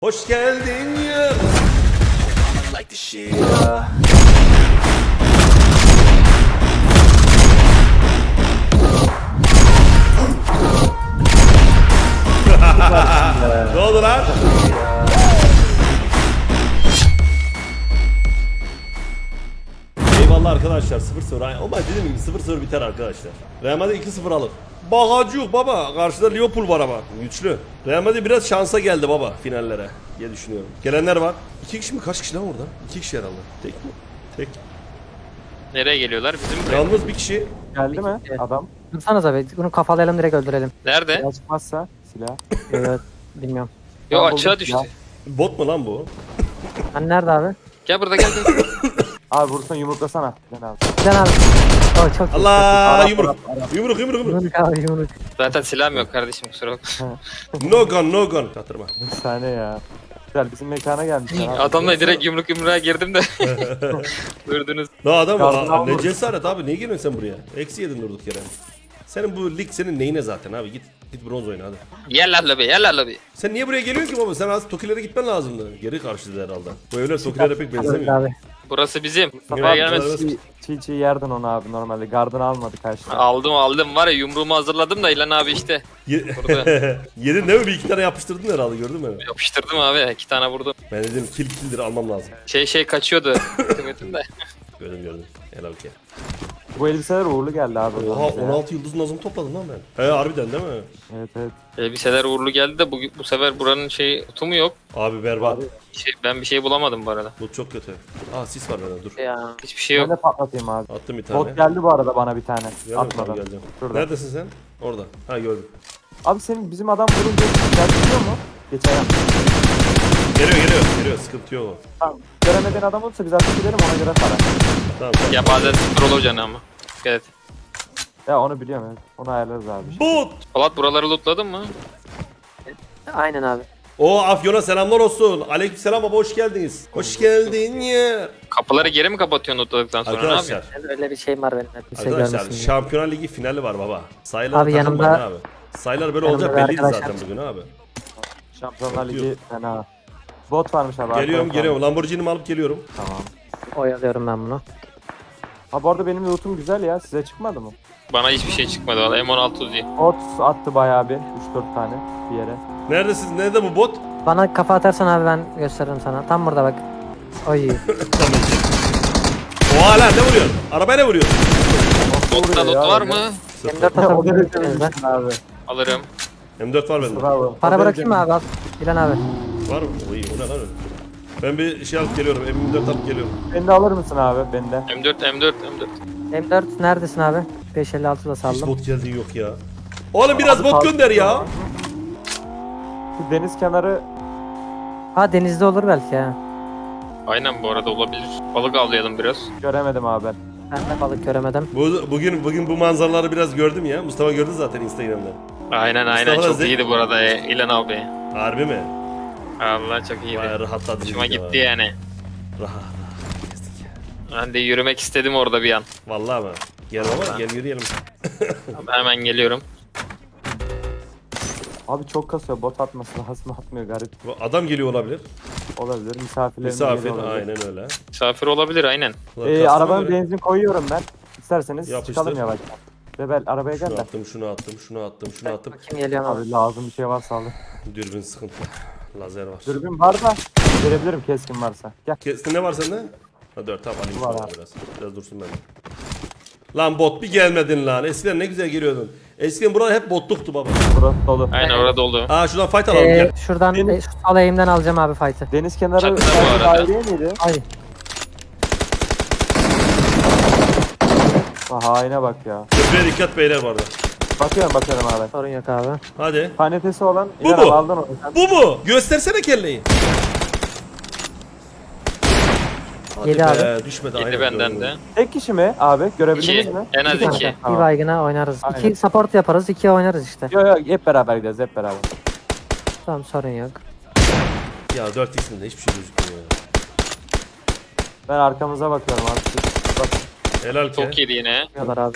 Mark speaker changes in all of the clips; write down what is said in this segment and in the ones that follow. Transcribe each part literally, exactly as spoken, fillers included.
Speaker 1: Hoş geldin ya. Like the shit. Ne oldu lan? Eyvallah arkadaşlar, sıfır sıfır. Ama dediğim gibi sıfır sıfır biter arkadaşlar. Real Madrid iki sıfır alır. Bagacı yok baba. Karşıda Liverpool var ama. Güçlü. Real Madrid biraz şansa geldi baba finallere diye düşünüyorum. Gelenler var. İki kişi mi? Kaç kişi lan orada? İki kişi herhalde. Tek mi? Tek.
Speaker 2: Nereye geliyorlar? Bizim buraya.
Speaker 1: Yalnız bir kişi.
Speaker 3: Geldi mi adam?
Speaker 4: Dursanız abi bunu kafalayalım direkt öldürelim.
Speaker 2: Nerede?
Speaker 3: Silah çıkmazsa silah.
Speaker 4: Evet bilmiyorum.
Speaker 2: Yo
Speaker 3: Ben
Speaker 2: açığa
Speaker 3: buldum
Speaker 2: düştü.
Speaker 3: silah.
Speaker 1: Bot mu lan bu?
Speaker 4: Hani nerede abi?
Speaker 2: Gel burada gel gel.
Speaker 3: Abi vursun yumruklasana. Gel abi.
Speaker 4: Can abi. O çok iyi.
Speaker 1: Allah
Speaker 3: Arap,
Speaker 1: yumruk.
Speaker 3: Arap, Arap.
Speaker 1: Yumruk yumruk yumruk.
Speaker 4: Yumruk abi yumruk.
Speaker 2: Zaten silahım yok kardeşim kusura bakma.
Speaker 1: No gun no gun. Çatırma.
Speaker 3: Bir saniye ya. Güzel bizim mekana gelmişler abi.
Speaker 2: Adamla direkt yumruk yumruğa girdim de. Durdunuz.
Speaker 1: Ne adam
Speaker 3: Gardını
Speaker 1: var. Ne
Speaker 3: almadın.
Speaker 1: cesaret abi. Niye geliyorsun sen buraya? Eksi yedin durduk yere. Senin bu lig senin neyine zaten abi. Git git bronz oyna hadi.
Speaker 2: Gel lan lobi gel lan lobi.
Speaker 1: Sen niye buraya geliyorsun ki baba? Sen az Tokilere gitmen lazımdı. Geri karşıladı herhalde. Bu evler Tokilere pek
Speaker 4: Evet
Speaker 1: benzemiyor.
Speaker 4: abi.
Speaker 2: Burası bizim.
Speaker 3: Mustafa
Speaker 2: Buraya
Speaker 3: abi
Speaker 2: gelmez.
Speaker 3: çiğ, çiğ çiğ yerdin onu abi normalde. Gardını almadı karşıda.
Speaker 2: Aldım aldım var ya yumruğumu hazırladım da İlhan abi işte.
Speaker 1: Ye-
Speaker 2: Burada.
Speaker 1: Yedin değil mi? Bir iki tane yapıştırdın herhalde, gördün mü?
Speaker 2: Yapıştırdım abi iki tane vurdum.
Speaker 1: Ben dedim kill killdir almam lazım.
Speaker 2: Şey şey kaçıyordu. Hükümetin de.
Speaker 1: Gördüm gördüm. Helal ki.
Speaker 3: Bu elbiseler uğurlu geldi abi.
Speaker 1: Oha
Speaker 3: bize ya.
Speaker 1: on altı yıldız nazım topladım lan ben. He harbiden değil mi?
Speaker 3: Evet evet.
Speaker 2: Elbiseler uğurlu geldi de bu, bu sefer buranın şey tutumu yok.
Speaker 1: Abi berbat.
Speaker 3: Abi.
Speaker 2: Şey, ben bir şey bulamadım bu arada.
Speaker 1: Bu çok kötü. Aa sis var bende dur.
Speaker 4: Ya.
Speaker 2: Hiçbir şey
Speaker 3: Ben
Speaker 2: yok.
Speaker 3: de patlatayım abi.
Speaker 1: Attım bir tane.
Speaker 3: Bot geldi bu arada bana bir tane.
Speaker 1: Geldim,
Speaker 3: Atmadan.
Speaker 1: tamam, geleceğim.
Speaker 3: Şurada.
Speaker 1: Neredesin sen? Orada. Ha gördüm.
Speaker 3: Abi senin bizim adam vurunca gelmiyor mu? Geçen yap.
Speaker 1: Geliyor geliyor. Geliyor, sıkıntı yok.
Speaker 3: Tamam. Göremediğin adam olursa biz artık gidelim ona göre para.
Speaker 1: Tamam tamam.
Speaker 2: Ya bazen sıfır olur canım ama. Evet.
Speaker 3: Ya onu biliyorum evet. Onu ayarlarız abi.
Speaker 1: Bot!
Speaker 2: Polat buraları lootladın mı?
Speaker 4: Aynen abi.
Speaker 1: O Afyon'a selamlar olsun. Aleykümselam baba, hoş geldiniz. Hoş geldin ya.
Speaker 2: Kapıları geri mi kapatıyorsun lootladıktan sonra ne
Speaker 1: Arkadaşlar.
Speaker 2: yapıyorsun?
Speaker 4: Ben öyle bir şeyim var benim. Kimse
Speaker 1: Arkadaşlar
Speaker 4: görmesin diye.
Speaker 1: Şampiyonlar Ligi finali var baba. Sayılar
Speaker 4: Abi
Speaker 1: takılmayın
Speaker 4: yanımda-
Speaker 1: abi. Sayılar böyle
Speaker 4: yanımda
Speaker 1: olacak
Speaker 4: bir
Speaker 1: belliydi
Speaker 4: arkadaş
Speaker 1: zaten bugün abi.
Speaker 3: Şampiyonlar
Speaker 1: Yok.
Speaker 3: Ligi fena. Bot varmış abi.
Speaker 1: Geliyorum
Speaker 3: arkada
Speaker 1: geliyorum. Lamborghini'mi alıp geliyorum.
Speaker 3: Tamam.
Speaker 4: Oyalıyorum ben bunu.
Speaker 3: Ha bu arada benim lootum güzel ya. Size çıkmadı mı?
Speaker 2: Bana hiçbir şey çıkmadı valla. M on altı Uzi.
Speaker 3: Bot attı bayağı bir. üç dört tane bir yere.
Speaker 1: Neredesiniz? Nerede bu bot?
Speaker 4: Bana kafa atarsan abi ben gösteririm sana. Tam burada bak. Oy.
Speaker 1: Tamam. Oha lan, ne vuruyor? Arabaya ne vuruyor?
Speaker 2: Loot'ta loot var mı?
Speaker 4: yirmi dört
Speaker 3: o da
Speaker 4: atabilirsiniz
Speaker 3: demişsin
Speaker 4: ben.
Speaker 3: abi.
Speaker 2: Alırım.
Speaker 1: M dört var bende.
Speaker 3: Bravo.
Speaker 4: Para
Speaker 3: O da
Speaker 4: bırakayım mı abi? Al. İlan abi.
Speaker 1: Var mı? O iyi. O ne lan öyle? Ben bir şey alıp geliyorum. M dört alıp geliyorum.
Speaker 3: Beni de alır mısın abi? Beni de.
Speaker 2: M dört M dört M dört.
Speaker 4: M dört neredesin abi? beş elli altı da
Speaker 1: Hiç
Speaker 4: saldım.
Speaker 1: bot geldiği yok ya. Oğlum biraz
Speaker 3: Abi,
Speaker 1: bot
Speaker 3: kaldı.
Speaker 1: gönder ya.
Speaker 3: Şu deniz kenarı
Speaker 4: Ha denizde olur belki ha.
Speaker 2: Aynen bu arada olabilir. Balık avlayalım biraz.
Speaker 3: göremedim abi ben.
Speaker 4: Ben de balık göremedim.
Speaker 1: Bu, bugün bugün bu manzaraları biraz gördüm ya. Mustafa gördü zaten Instagram'da.
Speaker 2: Aynen aynen
Speaker 1: Mustafa
Speaker 2: çok
Speaker 1: Zek-
Speaker 2: iyiydi bu arada e, İlhan abi.
Speaker 1: Harbi mi?
Speaker 2: Allah çok iyiydi.
Speaker 1: Vay rahatladım.
Speaker 2: Hoşuma
Speaker 1: ya.
Speaker 2: gitti yani.
Speaker 1: Rahat rahat gezdik ya.
Speaker 2: Ben de yürümek istedim orada bir an.
Speaker 1: Vallahi mi? Gel baba gel yürüyelim.
Speaker 2: Hemen geliyorum.
Speaker 3: Abi çok kasıyor. Bot atması lazım. Atmıyor garip.
Speaker 1: Bu adam geliyor olabilir.
Speaker 3: Olabilir. Misafirlerin
Speaker 1: Misafir
Speaker 3: geliyor olabilir.
Speaker 1: aynen öyle.
Speaker 2: Misafir olabilir aynen.
Speaker 1: Ulan
Speaker 3: Ee,
Speaker 1: kastına
Speaker 3: arabanın
Speaker 1: göre-
Speaker 3: benzin koyuyorum ben. İsterseniz
Speaker 1: Yapıştır.
Speaker 3: çıkalım yavaştan. Rebel arabaya gel
Speaker 1: Şunu
Speaker 3: de.
Speaker 1: attım, şunu attım, şunu attım, şunu attım.
Speaker 4: Kim geliyor abi?
Speaker 3: Abi lazım bir şey varsa alın.
Speaker 1: Dürbün sıkıntı. Lazer var.
Speaker 3: Dürbün var da verebilirim keskin varsa. Gel.
Speaker 1: Kestin ne var sende? Ha dört tamam alayım
Speaker 3: Var
Speaker 1: sana
Speaker 3: abi.
Speaker 1: biraz. Biraz dursun bende. Lan bot bir gelmedin lan. Eskiden ne güzel geliyordun. Eskiden buralar hep botluktu baba.
Speaker 3: Burası dolu.
Speaker 2: Aynen orada oldu.
Speaker 1: Aa şuradan fight alalım
Speaker 4: Ee,
Speaker 1: gel.
Speaker 4: şuradan
Speaker 3: Benim-
Speaker 4: e, şu sol eğimden alacağım abi fight'ı.
Speaker 3: Deniz kenarı
Speaker 2: Çatıda bu
Speaker 3: sadece
Speaker 2: arada.
Speaker 3: daireye miydi?
Speaker 4: Ay.
Speaker 3: Ha, haine bak ya.
Speaker 1: Köprüye dikkat beyler bu arada.
Speaker 3: Bakıyorum bakıyorum abi.
Speaker 4: Sorun yok abi.
Speaker 1: Hadi.
Speaker 3: Kanetesi olan
Speaker 1: Bu
Speaker 3: İlhan
Speaker 1: mu?
Speaker 3: abi aldın onu. Sen
Speaker 1: Bu mu? Göstersene kelleyi. Hadi
Speaker 4: Yedi
Speaker 1: be,
Speaker 4: abi.
Speaker 1: düşmedi.
Speaker 2: Yedi
Speaker 1: aynen
Speaker 2: benden
Speaker 1: gördüm.
Speaker 2: de.
Speaker 3: tek kişi mi abi? Görebildiniz
Speaker 2: İki.
Speaker 3: mi?
Speaker 2: En az
Speaker 4: İki
Speaker 2: iki.
Speaker 4: tane.
Speaker 3: Tamam.
Speaker 4: Bir baygına oynarız.
Speaker 3: Aynen.
Speaker 4: İki support yaparız, iki oynarız işte.
Speaker 3: Yok yok hep beraber gideceğiz hep beraber.
Speaker 4: Tamam sorun yok.
Speaker 1: Ya dört x'inde hiçbir şey gözükmüyor ya.
Speaker 3: Ben arkamıza bakıyorum abi. Bak.
Speaker 1: Helal ki.
Speaker 2: Çok iyiydi yine.
Speaker 4: Yapıyorlar abi.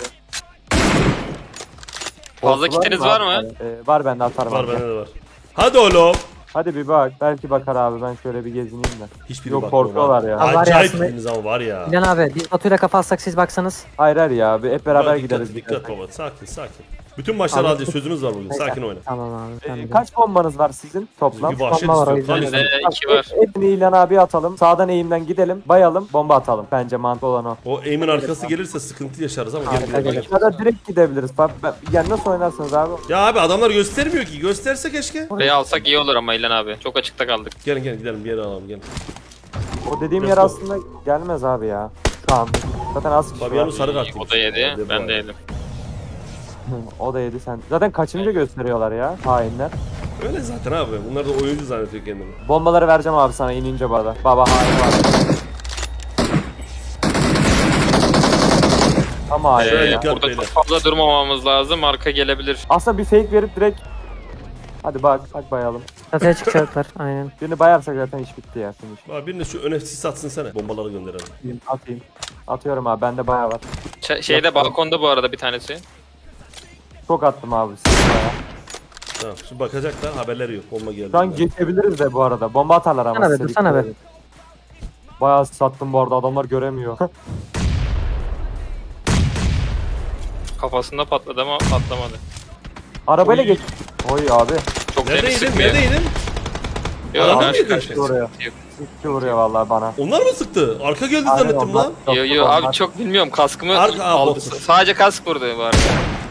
Speaker 2: Fazla
Speaker 3: Botu
Speaker 2: kitiniz var mı?
Speaker 3: abi? Ee, var bende atarım.
Speaker 1: Var
Speaker 3: abi.
Speaker 1: bende de var. Hadi oğlum.
Speaker 3: Hadi bir bak. Belki bakar abi. Ben şöyle bir gezineyim de.
Speaker 1: Hiçbiri
Speaker 3: Yok,
Speaker 1: bakmıyor
Speaker 3: korkuyorlar
Speaker 1: bana.
Speaker 3: ya.
Speaker 4: Ha, var ya
Speaker 1: Acayip
Speaker 4: aslında-
Speaker 1: biriniz ama var ya.
Speaker 4: İlhan abi biz Batu'yla kafa atsak siz baksanız.
Speaker 3: Hayır hayır ya. Bir hep beraber
Speaker 1: Bak,
Speaker 3: gideriz.
Speaker 1: Dikkat, dikkat baba. Sakin sakin. Bütün maçlar
Speaker 4: Abi-
Speaker 1: alacağız. Sözümüz var bugün. Sakin oyna.
Speaker 4: Tamam abi.
Speaker 3: Ee,
Speaker 4: Tamam.
Speaker 3: kaç bombanız var sizin toplam?
Speaker 1: Bir vahşet
Speaker 4: Bomba var o
Speaker 1: istiyor.
Speaker 4: yüzden.
Speaker 1: Kan
Speaker 2: Bizde
Speaker 1: istiyor.
Speaker 2: iki var.
Speaker 3: Hepini İlhan abi atalım. Sağdan eğimden gidelim. Bayalım. Bomba atalım. Bence mantıklı olan o.
Speaker 1: O aim'in arkası gelirse sıkıntı yaşarız ama
Speaker 4: Harika
Speaker 1: gel
Speaker 4: gelir.
Speaker 3: Ya da direkt gidebiliriz. Bak, ben- yani nasıl oynarsınız abi?
Speaker 1: Ya abi adamlar göstermiyor ki. Gösterse keşke.
Speaker 2: Burayı alsak iyi olur ama İlhan abi. Çok açıkta kaldık.
Speaker 1: Gelin gelin gidelim bir yere alalım gelin.
Speaker 3: O dediğim
Speaker 1: Let's
Speaker 3: yer
Speaker 1: go.
Speaker 3: aslında gelmez abi ya. Şu an. Zaten az kişi
Speaker 1: Fabiano
Speaker 3: var.
Speaker 1: sarı kart.
Speaker 2: O da yedi. Ben de yedim.
Speaker 3: O da yedi sen. Zaten kaçıncı gösteriyorlar ya hainler.
Speaker 1: Öyle zaten abi. Bunlar da oyuncu zannediyor kendini.
Speaker 3: Bombaları vereceğim abi sana inince bu arada. Baba hain var. Ama hain
Speaker 1: Şöyle
Speaker 3: ya.
Speaker 1: dikkat
Speaker 2: Burada
Speaker 1: beyler.
Speaker 2: çok fazla durmamamız lazım. Arka gelebilir.
Speaker 3: Aslında bir fake verip direkt hadi bak, bak bayalım.
Speaker 4: Çatıya çıkacaklar. Aynen.
Speaker 3: Birini bayarsak zaten iş bitti ya. Finish.
Speaker 1: Abi birine şu öne sis atsın sana. Bombaları gönderelim.
Speaker 3: Atayım, atayım. Atıyorum abi, bende bayağı var.
Speaker 2: Ç- şeyde balkonda bu arada bir tanesi.
Speaker 3: Çok attım abi size bayağı.
Speaker 1: Tamam. Şimdi bakacaklar haberleri yok. Bomba geldi.
Speaker 3: Şu an geçebiliriz de bu arada. Bomba atarlar ama.
Speaker 4: Dursana be,
Speaker 3: size
Speaker 4: dursana
Speaker 3: dikkat
Speaker 4: be.
Speaker 3: edin. Bayağı sattım bu arada, adamlar göremiyor.
Speaker 2: Kafasında patladı ama patlamadı.
Speaker 3: Arabayla
Speaker 1: Oy.
Speaker 3: geç. Oy abi.
Speaker 2: Çok seni
Speaker 1: Neredeydin?
Speaker 2: sıkmıyor.
Speaker 1: Neredeydin?
Speaker 2: Yok,
Speaker 1: Adam mı
Speaker 2: karşı
Speaker 1: yedin?
Speaker 2: karşıya
Speaker 3: Oraya.
Speaker 2: sıkıntı yok.
Speaker 3: İki vuruyor vallahi bana.
Speaker 1: Onlar mı sıktı? Arka geldi
Speaker 3: Aynen
Speaker 1: zannettim
Speaker 3: onlar.
Speaker 1: lan.
Speaker 3: Yok,
Speaker 2: Yo
Speaker 3: yok,
Speaker 2: yo
Speaker 3: onlar.
Speaker 2: abi çok bilmiyorum kaskımı
Speaker 1: Arka- Aa,
Speaker 2: aldı.
Speaker 1: bot.
Speaker 2: Sadece kask vurdu bu arada.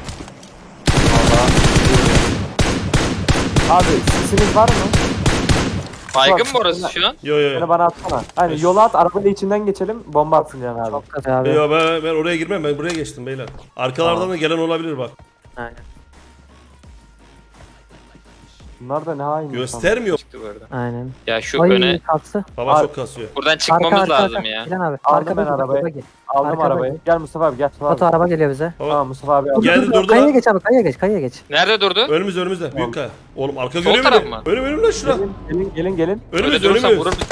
Speaker 3: Abi sesiniz var mı?
Speaker 2: Baygın
Speaker 3: Bak,
Speaker 2: mı orası şu an?
Speaker 1: Yo yo yo.
Speaker 3: Beni bana atsana. Hani yola at, arabayla içinden geçelim, bomba atsın yani abi.
Speaker 4: Çok kötü abi.
Speaker 1: Yo ben, ben oraya girmem. Ben buraya geçtim beyler. Arkalardan
Speaker 3: Tamam.
Speaker 1: da gelen olabilir bak.
Speaker 4: Aynen.
Speaker 3: Bunlar da ne hain insan.
Speaker 1: Göstermiyor.
Speaker 2: Çıktı bu arada.
Speaker 4: Aynen.
Speaker 2: Ya şu
Speaker 4: Ay
Speaker 2: öne
Speaker 4: kalktı.
Speaker 1: Baba
Speaker 3: Ar-
Speaker 1: çok kasıyor.
Speaker 2: buradan çıkmamız
Speaker 4: Arka, arka,
Speaker 2: lazım
Speaker 4: arka.
Speaker 2: ya.
Speaker 4: İlhan abi.
Speaker 3: Aldım
Speaker 4: Arka
Speaker 3: ben
Speaker 4: bagi,
Speaker 3: arabayı.
Speaker 4: bagi.
Speaker 3: Aldım
Speaker 4: Arka
Speaker 3: arabayı.
Speaker 4: bagi.
Speaker 3: Gel Mustafa abi, gel. Mustafa
Speaker 4: Batu
Speaker 3: abi.
Speaker 4: araba geliyor bize.
Speaker 1: Baba,
Speaker 3: Tamam Mustafa abi. al.
Speaker 1: Geldi durdu
Speaker 4: Kayaya
Speaker 1: lan.
Speaker 4: geç abi, kayaya geç, kayaya geç.
Speaker 2: Nerede durdu?
Speaker 1: Önümüzde önümüzde. Büyük kaya. Oğlum arka
Speaker 2: Sol
Speaker 1: görüyor
Speaker 2: taraf
Speaker 1: musun?
Speaker 2: mı?
Speaker 1: Önüm önüm lan şura.
Speaker 3: Gelin gelin gelin. gelin.
Speaker 2: Öyle
Speaker 1: Önümüz
Speaker 2: durursan
Speaker 1: önümüz.
Speaker 2: vurur bizi.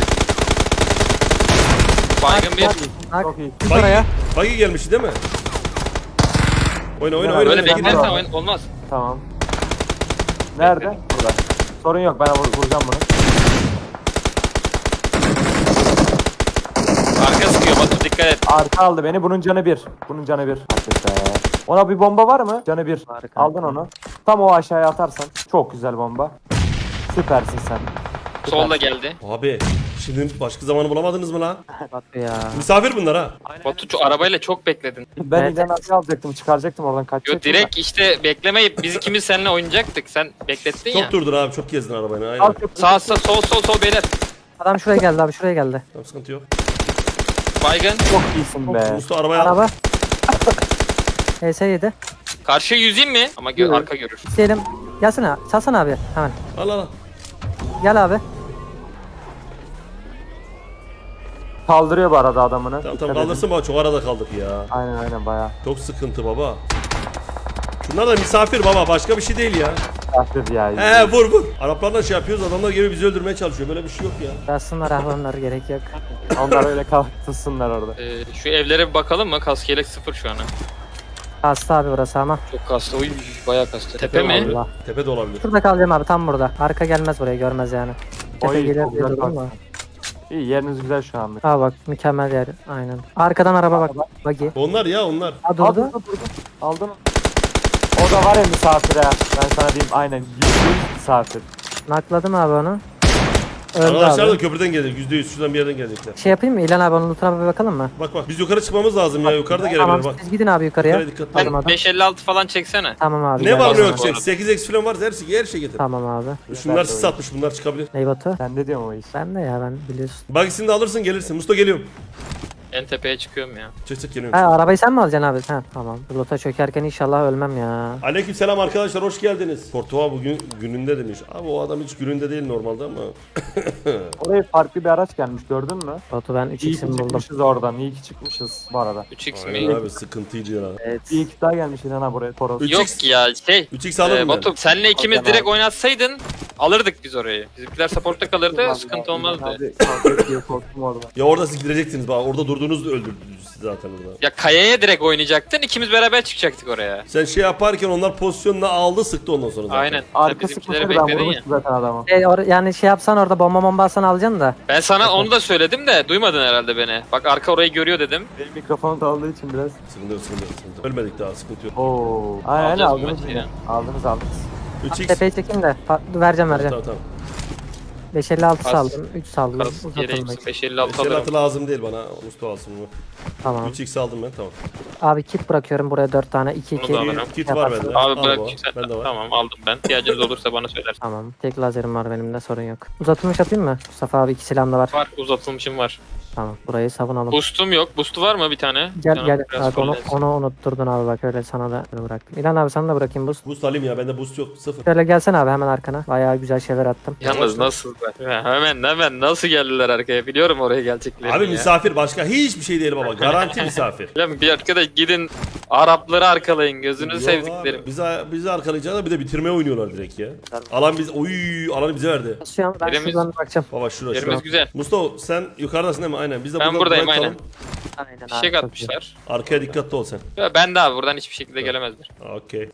Speaker 2: Baygın bir.
Speaker 4: Bak,
Speaker 3: Çok iyi.
Speaker 4: git
Speaker 1: Bagi,
Speaker 4: oraya.
Speaker 1: bagi gelmiş değil mi? Oyna oyna
Speaker 3: Ya,
Speaker 1: oyna.
Speaker 2: Böyle
Speaker 3: Öyle
Speaker 1: oyna.
Speaker 2: beklersen
Speaker 3: var.
Speaker 2: oyun olmaz.
Speaker 3: Tamam. Nerede? Burada. Sorun yok, ben vur- vuracağım bunu.
Speaker 2: Arka sıkıyor Batu dikkat et.
Speaker 3: Arka aldı beni. Bunun canı bir. Bunun canı bir. Hakikaten. Ona bir bomba var mı? Canı bir.
Speaker 4: Harika.
Speaker 3: Aldın onu. Tam o aşağıya atarsan. Çok güzel bomba. Süpersin sen.
Speaker 2: Solda geldi.
Speaker 1: Abi şimdi başka zamanı bulamadınız mı lan?
Speaker 4: Batu ya.
Speaker 1: Misafir bunlar ha.
Speaker 2: Batu şu arabayla çok bekledin.
Speaker 3: Ben
Speaker 4: Evet.
Speaker 3: İlhan abi alacaktım. Çıkaracaktım oradan,
Speaker 2: Yo
Speaker 3: kaçacaktım.
Speaker 2: direkt işte beklemeyip biz ikimiz seninle oynayacaktık. Sen beklettin ya.
Speaker 1: Çok durdun abi çok gezdin arabayla
Speaker 3: da.
Speaker 1: aynen.
Speaker 3: Al köprü.
Speaker 2: Sağ sağ sol sol sol beyler.
Speaker 4: Adam şuraya geldi abi, şuraya geldi.
Speaker 1: Tamam sıkıntı yok.
Speaker 2: Baygın.
Speaker 3: Çok iyisin be.
Speaker 1: Mustafa arabaya al.
Speaker 4: Araba. H S yedi.
Speaker 2: Karşıya yüzeyim mi? Ama gö
Speaker 4: Evet.
Speaker 2: arka görür.
Speaker 4: İsteyelim. Gelsene. Salsana abi. Hemen.
Speaker 1: Al al al.
Speaker 4: Gel abi.
Speaker 3: Kaldırıyor bu arada adamını.
Speaker 1: Tamam
Speaker 3: Dikkat
Speaker 1: tamam
Speaker 3: edin.
Speaker 1: kaldırsın baba çok arada kaldık ya.
Speaker 3: Aynen aynen bayağı.
Speaker 1: Çok sıkıntı baba. Şunlar da misafir baba başka bir şey değil ya.
Speaker 3: Kafir ya.
Speaker 1: He vur vur. Araplarla şey yapıyoruz adamlar gibi bizi öldürmeye çalışıyor böyle bir şey yok ya.
Speaker 4: Yazsınlar ahvanlar, gerek yok.
Speaker 3: Onlar öyle kalksınlar orada.
Speaker 2: Ee, şu evlere bir bakalım mı? Kask yelek sıfır şu an. ha.
Speaker 4: Kastı abi burası ama.
Speaker 2: Çok kastı. Oy bayağı kastı. Tepe mi?
Speaker 1: olabilir.
Speaker 4: Allah.
Speaker 1: Tepe de olabilir.
Speaker 4: Şurada kalacağım abi, tam burada. Arka gelmez buraya, görmez yani. Tepe
Speaker 3: Oy,
Speaker 4: gelir
Speaker 3: çok
Speaker 4: diye
Speaker 3: güzel
Speaker 4: durdum
Speaker 3: bak.
Speaker 4: da.
Speaker 3: İyi, yeriniz güzel şu anda.
Speaker 4: Ha bak, mükemmel yer. Aynen. Arkadan araba bak. Bagi.
Speaker 1: Onlar ya onlar.
Speaker 4: Ha
Speaker 3: Al,
Speaker 4: durdu.
Speaker 3: durdu, durdu. Aldın. O da var ya misafir ha. Ben sana diyeyim, aynen. Yüzde yüz misafir.
Speaker 4: Nakladım abi onu. Öldü
Speaker 1: Arkadaşlar da
Speaker 4: abi.
Speaker 1: köprüden gelecek. yüzde yüz şuradan bir yerden gelecekler.
Speaker 4: Şey yapayım mı? İlhan abi onun lootuna bir bakalım mı?
Speaker 1: Bak bak biz yukarı çıkmamız lazım ya. Yukarıda gelebilir
Speaker 4: Tamam,
Speaker 1: bak.
Speaker 4: siz gidin abi yukarıya.
Speaker 1: Yukarı dikkat.
Speaker 4: Tamam
Speaker 2: Ben
Speaker 4: adam.
Speaker 2: beş elli altı falan çeksene.
Speaker 4: Tamam abi.
Speaker 1: Ne
Speaker 4: gel.
Speaker 1: var ne
Speaker 2: Lazım
Speaker 1: yok
Speaker 2: bu
Speaker 1: çek.
Speaker 2: arada.
Speaker 1: sekiz x falan var her şey her şey getir.
Speaker 4: Tamam abi.
Speaker 1: Şunlar sis atmış bunlar çıkabilir.
Speaker 4: Ney Batu?
Speaker 3: Ben de diyorum o iş.
Speaker 4: Ben de ya, ben biliyorsun.
Speaker 1: Bagisini de alırsın gelirsin. Musta geliyorum.
Speaker 2: En tepeye çıkıyorum ya.
Speaker 1: Çık çık geliyorum.
Speaker 4: Ha, arabayı sen mi alacaksın abi? Ha tamam. Loot'a çökerken inşallah ölmem ya.
Speaker 1: Aleyküm selam arkadaşlar hoş geldiniz. Portuğa bugün gününde demiş. Abi o adam hiç gününde değil normalde ama.
Speaker 3: Oraya farklı bir araç gelmiş, gördün mü?
Speaker 4: Batu ben üç
Speaker 3: İyi ki
Speaker 4: x'imi buldum.
Speaker 3: çıkmışız oradan. İyi ki çıkmışız bu arada.
Speaker 2: üç x
Speaker 1: Aynen
Speaker 2: mi?
Speaker 1: abi sıkıntıydı ya.
Speaker 4: Evet.
Speaker 3: İyi ki daha gelmiş İlhan abi buraya. Toros.
Speaker 1: Üç-
Speaker 2: Yok ya şey.
Speaker 1: üç x alırım
Speaker 2: Ee,
Speaker 1: ben.
Speaker 2: Batu senle ikimiz
Speaker 3: Alacağım
Speaker 2: direkt
Speaker 3: abi.
Speaker 2: oynatsaydın alırdık biz orayı. Bizimkiler supportta kalırdı sıkıntı olmazdı.
Speaker 3: Abi kavga ediyor, korktum orada.
Speaker 1: Ya orada siz gidecektiniz bak orada durduğunuzda öldürdünüz sizi. zaten burada.
Speaker 2: Ya kayaya direkt oynayacaktın. İkimiz beraber çıkacaktık oraya.
Speaker 1: Sen şey yaparken onlar pozisyonunu aldı sıktı ondan sonra zaten.
Speaker 2: Aynen. Sen
Speaker 3: Arka
Speaker 2: bizimkileri
Speaker 3: sıkmıştı ben
Speaker 2: bekledin ya.
Speaker 3: vurmuştum zaten adamı.
Speaker 4: E, or- yani şey yapsan orada bomba bomba alsan alacaksın da.
Speaker 2: Ben sana onu da söyledim de duymadın herhalde beni. Bak arka orayı görüyor dedim.
Speaker 3: Benim mikrofonu da aldığı için biraz.
Speaker 1: Sıkıntı yok sıkıntı yok. sıkıntı yok. Ölmedik daha sıkıntı yok.
Speaker 3: Oo. Aynen
Speaker 2: Alacağız bu
Speaker 3: aldınız
Speaker 2: maçı
Speaker 3: yine.
Speaker 2: ya.
Speaker 3: Aldınız aldınız.
Speaker 1: üç x.
Speaker 4: Tepeyi çekeyim de. Pa- vereceğim vereceğim.
Speaker 1: Tamam tamam.
Speaker 4: beş elli altı
Speaker 2: Az.
Speaker 4: saldım. üç saldım.
Speaker 2: Kas yere
Speaker 4: Uzatılmak.
Speaker 2: beş elli altı
Speaker 1: Şey
Speaker 2: alırım.
Speaker 1: atı lazım değil bana. Mustafa alsın bunu.
Speaker 4: Tamam.
Speaker 1: üç x aldım ben tamam.
Speaker 4: Abi kit bırakıyorum buraya dört tane. iki
Speaker 2: Bunu
Speaker 4: iki.
Speaker 2: da alırım.
Speaker 1: Kit var bende.
Speaker 2: Abi
Speaker 1: Al
Speaker 2: bırak
Speaker 1: baba,
Speaker 2: sen.
Speaker 1: bende var.
Speaker 2: Tamam aldım ben. İhtiyacınız olursa bana söylersin.
Speaker 4: Tamam. Tek lazerim var benim de sorun yok. Uzatılmış atayım mı? Mustafa abi iki silahım da var.
Speaker 2: Var uzatılmışım var.
Speaker 4: Tamam. Burayı savunalım.
Speaker 2: Boostum yok. Boost'u var mı bir tane?
Speaker 4: Gel
Speaker 2: Canım
Speaker 4: gel.
Speaker 2: biraz
Speaker 4: Bak, onu,
Speaker 2: fullensin.
Speaker 4: onu unutturdun abi bak öyle sana da bıraktım. İlhan abi sana da bırakayım boost.
Speaker 1: Boost alayım ya bende boost yok sıfır.
Speaker 4: Şöyle gelsene abi hemen arkana. Bayağı güzel şeyler attım.
Speaker 2: Yalnız nasıl? Hemen hemen nasıl geldiler arkaya? Biliyorum oraya geleceklerini
Speaker 1: Abi
Speaker 2: ya.
Speaker 1: misafir başka hiçbir şey değil baba. Garanti misafir.
Speaker 2: Lan bir arkadaş gidin Arapları arkalayın gözünü
Speaker 1: Yok
Speaker 2: sevdiklerim.
Speaker 1: abi, Bizi, bizi arkalayacağına bir de bitirmeye oynuyorlar direkt ya. Alan biz oy alanı bize verdi.
Speaker 4: Basıyorum ben
Speaker 2: Yerimiz-
Speaker 4: şuradan bakacağım.
Speaker 1: Baba şurası.
Speaker 2: Yerimiz
Speaker 1: şurası.
Speaker 2: güzel.
Speaker 1: Mustafa sen yukarıdasın değil mi? Aynen. Biz de
Speaker 2: Ben
Speaker 1: buradan
Speaker 2: buradayım,
Speaker 1: buraya
Speaker 2: aynen.
Speaker 1: tutalım.
Speaker 4: Aynen
Speaker 2: Fişek
Speaker 4: çok
Speaker 2: atmışlar.
Speaker 1: Arkaya dikkatli ol sen.
Speaker 2: Ya ben de abi buradan hiçbir şekilde gelemezler.
Speaker 1: Okey.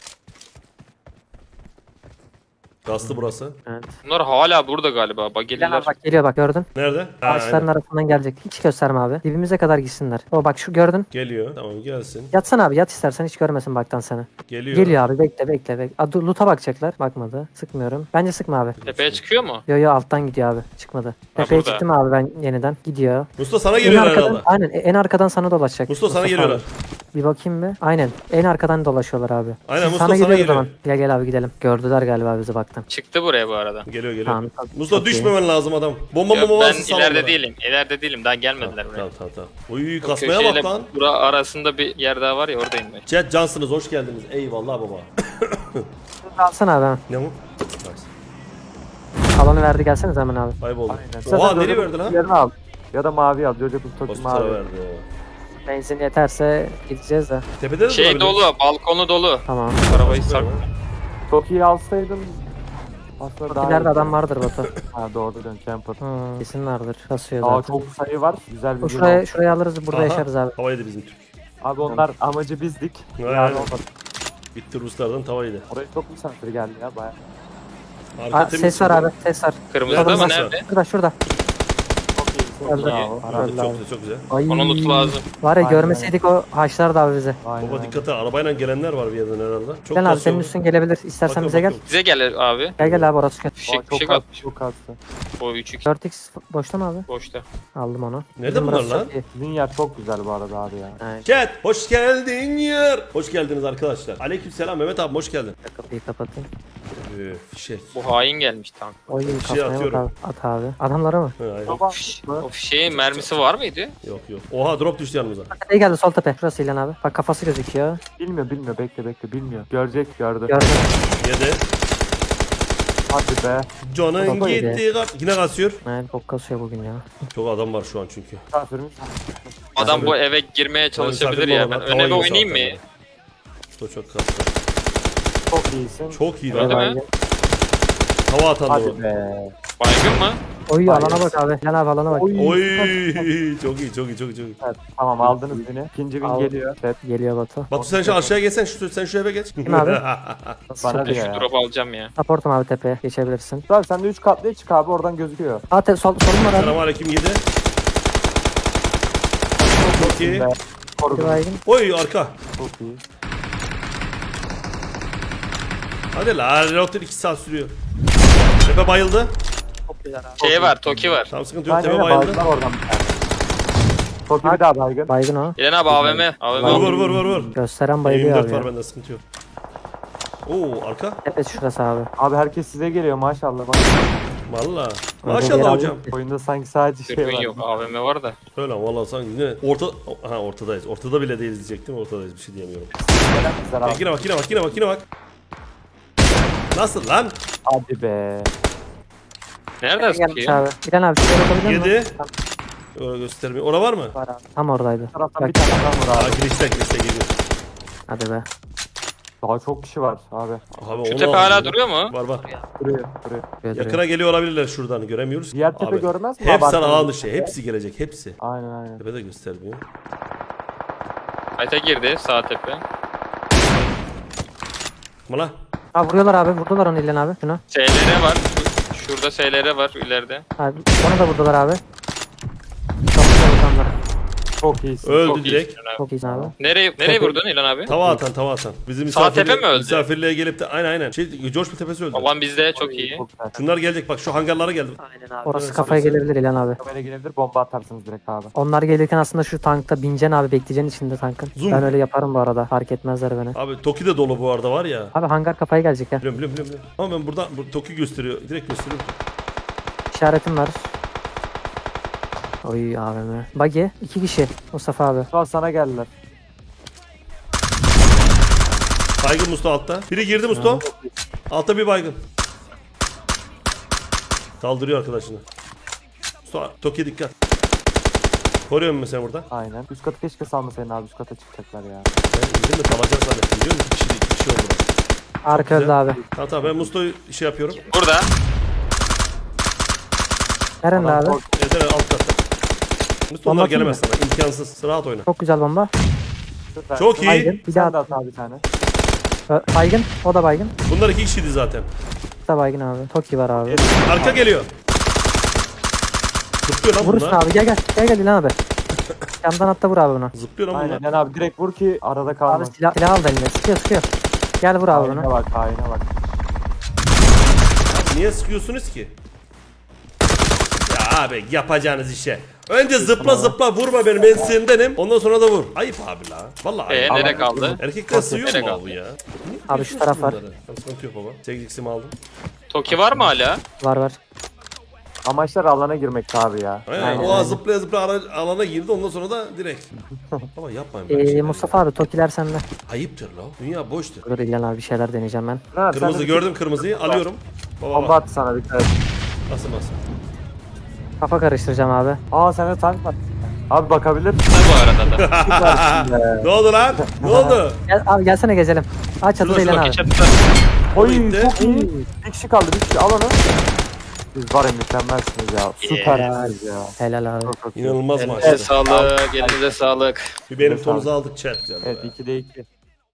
Speaker 1: Gazlı burası.
Speaker 4: güzel. Evet.
Speaker 2: Bunlar hala burada galiba. Bak
Speaker 4: İlhan
Speaker 2: gelirler.
Speaker 4: abi bak geliyor bak gördün.
Speaker 1: Nerede? Ha,
Speaker 4: Ağaçların
Speaker 1: aynen.
Speaker 4: arasından gelecek. Hiç gösterme abi. Dibimize kadar gitsinler. O bak şu gördün.
Speaker 1: Geliyor. Tamam gelsin.
Speaker 4: Yatsana abi yat istersen hiç görmesin baktan seni.
Speaker 1: Geliyor.
Speaker 4: Geliyor abi bekle bekle bekle. Aa, dur, loot'a bakacaklar. Bakmadı. Sıkmıyorum. Bence sıkma abi.
Speaker 2: Tepeye çıkıyor mu?
Speaker 4: Yo yo alttan gidiyor abi. Çıkmadı. Tepeye
Speaker 2: burada.
Speaker 4: çıktım abi ben yeniden. Gidiyor.
Speaker 1: Mustafa sana
Speaker 4: En
Speaker 1: geliyorlar
Speaker 4: arkadan,
Speaker 1: herhalde.
Speaker 4: aynen en arkadan sana dolaşacak.
Speaker 1: Mustafa sana
Speaker 4: abi.
Speaker 1: geliyorlar.
Speaker 4: Bir bakayım bir. Aynen. En arkadan dolaşıyorlar abi.
Speaker 1: Aynen,
Speaker 4: Siz
Speaker 1: Mustafa sana
Speaker 4: geliyor o
Speaker 1: geliyor.
Speaker 4: zaman. Gel gel abi gidelim. Gördüler galiba bizi baktan.
Speaker 2: Çıktı buraya bu arada.
Speaker 1: Geliyor geliyor.
Speaker 4: Tamam.
Speaker 1: Mustafa
Speaker 4: Çok
Speaker 1: düşmemen lazım adam. Bomba
Speaker 2: Ya
Speaker 1: bomba
Speaker 2: ben
Speaker 1: varsa sal
Speaker 2: ileride
Speaker 1: onlara.
Speaker 2: değilim. İleride değilim. Daha gelmediler buraya.
Speaker 1: Tamam tamam tamam. Uy
Speaker 2: Bu
Speaker 1: kasmaya
Speaker 2: köşeyle
Speaker 1: bak lan.
Speaker 2: bura arasında bir yer daha var ya oradayım ben.
Speaker 1: Chat cansınız hoş geldiniz. Eyvallah baba.
Speaker 4: Alsana abi. hemen.
Speaker 1: Ne bu?
Speaker 4: Alanı verdi gelseniz hemen abi.
Speaker 1: Kayboldu.
Speaker 3: Aynen.
Speaker 1: Oha
Speaker 3: Sen de
Speaker 1: nereye
Speaker 3: Jojo
Speaker 1: verdi lan?
Speaker 3: Kutu'yu al. Ya da mavi al. Jojo Kutu
Speaker 1: Hospitala
Speaker 3: mavi.
Speaker 1: verdi.
Speaker 4: Benzin yeterse gideceğiz de.
Speaker 1: Tepede de
Speaker 2: Şey
Speaker 1: durabilir.
Speaker 2: dolu, balkonu dolu.
Speaker 4: Tamam.
Speaker 2: Arabayı sak.
Speaker 3: Çok iyi alsaydın aslında daha
Speaker 4: İleride
Speaker 3: iyi.
Speaker 4: adam vardır Batu.
Speaker 3: Ha doğru dön Champer.
Speaker 4: Hmm, kesin vardır. Kasıyor
Speaker 3: Aa
Speaker 4: zaten.
Speaker 3: çok sayı var. Güzel bir
Speaker 4: O
Speaker 3: gün
Speaker 4: şuraya,
Speaker 3: oldu.
Speaker 4: şuraya alırız burada
Speaker 1: Aha,
Speaker 4: yaşarız abi.
Speaker 1: Tava yedi bizim Türk.
Speaker 3: Abi onlar amacı bizdik.
Speaker 1: Aynen.
Speaker 3: Yani olmadı.
Speaker 1: Bitti Ruslardan tava yedi.
Speaker 3: Oraya çok misafir geldi ya baya.
Speaker 1: Arka
Speaker 4: Aa,
Speaker 1: temiz
Speaker 4: ses var
Speaker 1: şimdi.
Speaker 4: abi ses var.
Speaker 2: Kırmızıda
Speaker 1: Nerede
Speaker 2: mı
Speaker 1: masa?
Speaker 2: nerede?
Speaker 4: Şurada şurada.
Speaker 3: Çok iyi.
Speaker 4: Öldü.
Speaker 3: Bravo.
Speaker 1: Arada
Speaker 4: Öldü
Speaker 1: çok
Speaker 4: abi.
Speaker 1: güzel çok güzel.
Speaker 4: Ay.
Speaker 2: Onun lootu lazım.
Speaker 4: Var ya
Speaker 3: Aynen.
Speaker 4: görmeseydik o haşlardı abi bizi.
Speaker 3: Aynen.
Speaker 1: Baba dikkat et arabayla gelenler var bir yerden herhalde. Çok
Speaker 4: Gel abi
Speaker 1: kasıyor
Speaker 4: senin
Speaker 1: bu.
Speaker 4: üstün gelebilir. İstersen
Speaker 1: Bakıyorum,
Speaker 4: bize gel.
Speaker 1: bakıyorum.
Speaker 2: Bize gel abi.
Speaker 4: Gel gel abi orası kötü.
Speaker 3: Aa,
Speaker 2: Fişek
Speaker 3: çok
Speaker 2: fişek
Speaker 3: kastı,
Speaker 2: atmış.
Speaker 3: çok kastı.
Speaker 2: O üç x
Speaker 4: dört x boşta mı abi?
Speaker 2: boşta.
Speaker 4: Aldım onu.
Speaker 1: Nerede
Speaker 4: Bizim
Speaker 1: bunlar
Speaker 4: burası
Speaker 1: lan?
Speaker 4: çok iyi.
Speaker 3: Sizin yer çok güzel bu arada abi ya.
Speaker 4: Aynen.
Speaker 1: Chat hoş geldin yer. Hoş geldiniz arkadaşlar. Aleykümselam Mehmet abi hoş geldin.
Speaker 4: Kapıyı kapatayım.
Speaker 1: Üf fişek.
Speaker 2: Bu hain gelmiş tank.
Speaker 4: Oy
Speaker 1: şey
Speaker 4: kasmaya bak
Speaker 1: atıyorum.
Speaker 4: abi. At abi. Adamlara mı?
Speaker 1: Ha, aynen.
Speaker 3: Baba,
Speaker 2: O fişeğin mermisi var mıydı?
Speaker 1: Yok yok. Oha drop düştü yanımıza.
Speaker 4: Tepeye geldi sol tepe. Şurası İlhan abi. Bak kafası gözüküyor.
Speaker 3: bilmiyor bilmiyor bekle bekle bilmiyor. Görecek gördü.
Speaker 4: Gördüm.
Speaker 1: Yedi.
Speaker 3: Hadi be.
Speaker 1: Canın
Speaker 4: Baba yedi.
Speaker 1: gitti. kar- Yine kasıyor.
Speaker 4: Evet çok kasıyor bugün ya.
Speaker 1: Çok adam var şu an çünkü.
Speaker 3: Misafirimiz.
Speaker 2: Adam bu eve girmeye çalışabilir ya. Ben öne bir oynayayım mı?
Speaker 1: Çok çok kastı.
Speaker 3: Çok iyisin.
Speaker 1: Çok iyi
Speaker 2: Öyle
Speaker 1: lan.
Speaker 2: mi?
Speaker 1: Hava atan da
Speaker 3: Hadi
Speaker 1: bu.
Speaker 3: be.
Speaker 2: Baygın mı?
Speaker 4: Oy
Speaker 3: Vay
Speaker 4: alana
Speaker 3: yes.
Speaker 4: bak abi. İlhan abi alana bak.
Speaker 3: Oy.
Speaker 1: Oy çok iyi çok iyi çok iyi çok iyi.
Speaker 3: Evet, tamam aldınız beni. İkinci gün
Speaker 4: Al.
Speaker 3: geliyor. Evet.
Speaker 4: Geliyor Batu.
Speaker 1: Batu sen şu aşağıya geçsen şu sen şu eve geç.
Speaker 4: Kim abi?
Speaker 3: Bana
Speaker 2: Ben
Speaker 3: diyor
Speaker 2: şu
Speaker 3: ya.
Speaker 2: drop alacağım ya.
Speaker 4: Supportum abi tepeye. Geçebilirsin.
Speaker 3: Abi sen de üç katlıya çık abi oradan gözüküyor.
Speaker 4: Aa te, sol, solum var abi.
Speaker 1: Selamünaleyküm yedi. Çok iyi.
Speaker 3: Be.
Speaker 4: Bir
Speaker 3: Korudum.
Speaker 4: baygın.
Speaker 1: Oy arka.
Speaker 3: Çok iyi.
Speaker 1: Hadi la reload'lar iki saat sürüyor. Tepe bayıldı.
Speaker 2: Şey var, Toki var.
Speaker 1: Tam sıkıntı yok
Speaker 3: Aynen
Speaker 1: tepe
Speaker 3: öyle
Speaker 1: bayıldı.
Speaker 3: bayıldılar oradan bir tane. Çok iyi bir daha baygın.
Speaker 4: Baygın o.
Speaker 2: İlen abi A V M. A V M.
Speaker 1: Vur vur vur vur vur.
Speaker 4: Gösteren bayılıyor
Speaker 1: yirmi
Speaker 4: abi
Speaker 1: dört var
Speaker 4: ya.
Speaker 1: bende sıkıntı yok. Oo arka.
Speaker 4: Tepesi şurası abi.
Speaker 3: Abi herkes size geliyor maşallah. Bak,
Speaker 1: Valla.
Speaker 4: Öyle
Speaker 1: Maşallah
Speaker 4: bir
Speaker 1: hocam.
Speaker 3: oyunda sanki sadece şey
Speaker 2: Dürbün
Speaker 3: var.
Speaker 2: yok. A V M var da.
Speaker 1: Öyle valla sanki yine orta ha ortadayız. Ortada bile değiliz diyecektim. Ortadayız bir şey diyemiyorum.
Speaker 3: Gelemezler
Speaker 1: Ya,
Speaker 3: abi.
Speaker 1: yine bak yine bak yine bak yine bak. Nasıl lan?
Speaker 3: Hadi be.
Speaker 2: Nereden
Speaker 4: Gelmiş
Speaker 2: sıkıyor?
Speaker 4: abi. İlhan abi şuraya bakabilir misin?
Speaker 1: Yedi. Öyle göstermiyor. Ora var mı?
Speaker 4: Var abi. Tam oradaydı.
Speaker 3: Bu taraftan
Speaker 4: Bak.
Speaker 3: bir tane adam var
Speaker 1: Aa
Speaker 3: abi.
Speaker 1: girişte girişte geliyor.
Speaker 4: Hadi be.
Speaker 3: Daha çok kişi var abi.
Speaker 1: Abi
Speaker 2: Şu
Speaker 1: onu
Speaker 2: tepe
Speaker 1: al.
Speaker 2: hala duruyor mu?
Speaker 1: Var var.
Speaker 3: Duruyor duruyor.
Speaker 4: Böyle
Speaker 1: Yakına geliyor olabilirler şuradan göremiyoruz.
Speaker 3: Diğer tepe
Speaker 1: Abi,
Speaker 3: görmez mi?
Speaker 1: Hepsi
Speaker 3: abi?
Speaker 1: alan dışı. Hepsi gelecek hepsi.
Speaker 3: Aynen aynen.
Speaker 1: Tepe de göstermiyor.
Speaker 2: Ayta girdi sağ tepe.
Speaker 1: Mala.
Speaker 4: Ha vuruyorlar abi. Vurdular onu İlhan abi. Şunu.
Speaker 2: S L R var. Şu- şurada S L R var ileride.
Speaker 4: Abi, onu da vurdular abi. Çok güzel insanlar.
Speaker 3: Çok iyisin.
Speaker 1: Öldü
Speaker 3: çok
Speaker 1: direkt.
Speaker 3: iyisin.
Speaker 4: Çok iyisin abi.
Speaker 2: Nereye nereye vurdun İlhan abi?
Speaker 1: Tava atan tava atan. Bizim
Speaker 2: Sağ tepe
Speaker 1: misafirliğe,
Speaker 2: mi öldü?
Speaker 1: misafirliğe gelip de aynen aynen. Şey George Tepesi öldü.
Speaker 2: Alan bizde çok iyi.
Speaker 3: Çok güzel.
Speaker 1: Şunlar gelecek bak şu hangarlara geldi.
Speaker 4: Aynen abi. Orası
Speaker 1: Evet,
Speaker 4: kafaya
Speaker 1: orası.
Speaker 4: gelebilir İlhan abi.
Speaker 3: Böyle gelebilir bomba atarsınız direkt abi.
Speaker 4: Onlar gelirken aslında şu tankta bineceksin abi, bekleyeceksin içinde tankın.
Speaker 1: Zoom.
Speaker 4: Ben öyle yaparım bu arada. Fark etmezler beni.
Speaker 1: Abi Toki de dolu bu arada var ya.
Speaker 4: Abi hangar kafaya gelecek ya.
Speaker 1: Biliyorum biliyorum biliyorum. biliyorum. Ama ben burada bu, Toki gösteriyor. Direkt gösteriyor.
Speaker 4: İşaretim var. Oy A V M. Buggy. iki kişi. Mustafa abi.
Speaker 3: Şu an sana geldiler.
Speaker 1: Baygın Musto altta. Biri girdi Musto. Altta bir baygın. Kaldırıyor arkadaşını. Musto Toki'ye dikkat. Koruyorum mesela burada.
Speaker 3: Aynen. Üst katı keşke salmasaydın abi. Üst kata çıkacaklar ya.
Speaker 1: Ben indim de kalacak zannettim biliyor musun? İki kişi, iki kişi oldu.
Speaker 4: Arka öldü
Speaker 1: güzel.
Speaker 4: abi.
Speaker 1: Tamam tamam ben Musto'yu şey yapıyorum.
Speaker 2: Burada.
Speaker 4: Nerede
Speaker 3: Adam
Speaker 4: abi?
Speaker 3: kork-
Speaker 1: Evet evet alt katta. Musto
Speaker 4: Bomba
Speaker 1: onlar
Speaker 4: atayım
Speaker 1: gelemez sana. İmkansız. Rahat oyna.
Speaker 4: Çok güzel bomba.
Speaker 3: Süper.
Speaker 1: Çok iyi.
Speaker 4: Baygın. Bir
Speaker 3: Sen de
Speaker 4: daha
Speaker 3: at abi bir tane.
Speaker 4: Ö, baygın. O da baygın.
Speaker 1: Bunlar iki kişiydi zaten.
Speaker 4: O da baygın abi. Toki var abi.
Speaker 1: Arka geliyor. Zıplıyor lan
Speaker 4: Vurursun
Speaker 1: bunlar.
Speaker 4: abi. Gel gel. Gel gel İlhan abi. Yandan hatta vur abi bunu.
Speaker 1: Zıplıyor lan
Speaker 3: Aynen.
Speaker 1: bunlar.
Speaker 3: Yani abi direkt vur ki arada
Speaker 4: Abi
Speaker 3: kalma.
Speaker 4: silah, silah al da eline. Sıkıyor sıkıyor. Gel vur abi
Speaker 3: Haine
Speaker 4: bunu.
Speaker 3: bak haine bak.
Speaker 1: Niye sıkıyorsunuz ki? Ya abi yapacağınız işe. Önce zıpla zıpla vurma beni ben sinirdenim. Ondan sonra da vur. Ayıp abi la. Vallahi ayıp.
Speaker 2: Ee nereye kaldı?
Speaker 1: Erkekler sığıyor
Speaker 2: Nereye
Speaker 1: mu
Speaker 2: kaldı?
Speaker 1: abi ya? Niye
Speaker 4: Abi şu taraf var.
Speaker 1: bunları? Tamam, sıkıntı yok baba. sekiz x'imi aldım.
Speaker 2: Toki var mı hala?
Speaker 4: Var var.
Speaker 3: Amaçlar alana girmekti abi ya.
Speaker 1: Aynen,
Speaker 4: Aynen,
Speaker 1: o
Speaker 4: aynen.
Speaker 1: zıplaya zıplaya ara- alana girdi ondan sonra da direkt. Baba yapmayın böyle
Speaker 4: Ee,
Speaker 1: şeyler
Speaker 4: Mustafa
Speaker 1: ya.
Speaker 4: abi Tokiler sende.
Speaker 1: Ayıptır la. Dünya boştur.
Speaker 4: Dur İlhan abi bir şeyler deneyeceğim ben.
Speaker 3: Ne abi, sen
Speaker 1: Kırmızı
Speaker 3: de-
Speaker 1: gördüm kırmızıyı alıyorum. Baba
Speaker 3: Bomba
Speaker 1: bak.
Speaker 3: attı sana bir tane.
Speaker 1: Nasıl nasıl?
Speaker 4: Kafa karıştıracağım abi.
Speaker 3: Aa sende tank var. Abi bakabilir.
Speaker 2: Ne bu arada da?
Speaker 3: Süpersin be.
Speaker 1: Ne oldu lan? Ne oldu?
Speaker 4: Gel abi gelsene gezelim. Aç çatıda
Speaker 1: Şurada,
Speaker 4: İlhan
Speaker 1: şurada,
Speaker 4: abi.
Speaker 2: Toki çatıda.
Speaker 3: Oy
Speaker 1: Bitti.
Speaker 3: çok iyi. Bir kişi kaldı bir kişi al onu. Siz var ya mükemmelsiniz ya. Süpersiniz ya.
Speaker 4: Helal abi.
Speaker 3: Çok çok iyi.
Speaker 1: İnanılmaz
Speaker 2: Elinize
Speaker 1: maçtı.
Speaker 2: sağlık, elinize sağlık.
Speaker 1: Bir benim tonuzu aldık chat.
Speaker 3: Evet ikide iki.